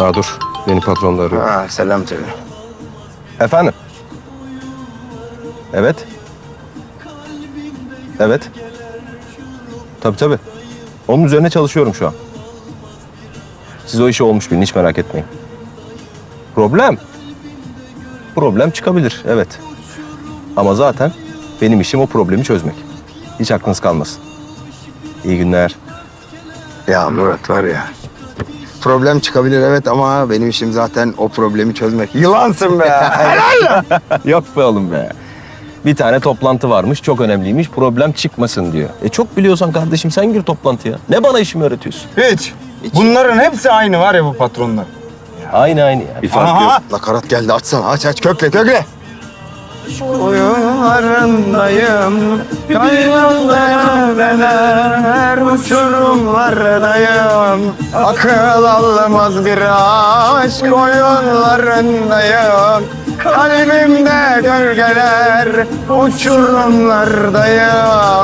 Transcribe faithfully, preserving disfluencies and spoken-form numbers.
Ha dur, beni patron da arıyor. Ha, selam söyle. Efendim? Evet. Evet. Tabii tabii. Onun üzerine çalışıyorum şu an. Siz o işi olmuş bilin, hiç merak etmeyin. Problem? Problem çıkabilir, evet. Ama zaten benim işim o problemi çözmek. Hiç aklınız kalmasın. İyi günler. Ya Murat var ya. Problem çıkabilir evet ama benim işim zaten o problemi çözmek. Yılansın be. Helal. Yok be oğlum be. Bir tane toplantı varmış, çok önemliymiş, problem çıkmasın diyor. E çok biliyorsan kardeşim sen gir toplantıya. Ne bana işimi öğretiyorsun? Hiç. Bunların hepsi aynı var ya bu patronlar. Aynı aynı ya. Bir fark Aha. yok. Nakarat geldi açsana aç aç kökle kökle. Oyunlarındayım, kaynalar uçurumlardayım. Akıl almaz bir aşk oyunlarındayım. Kalbimde gölgeler uçurumlardayım.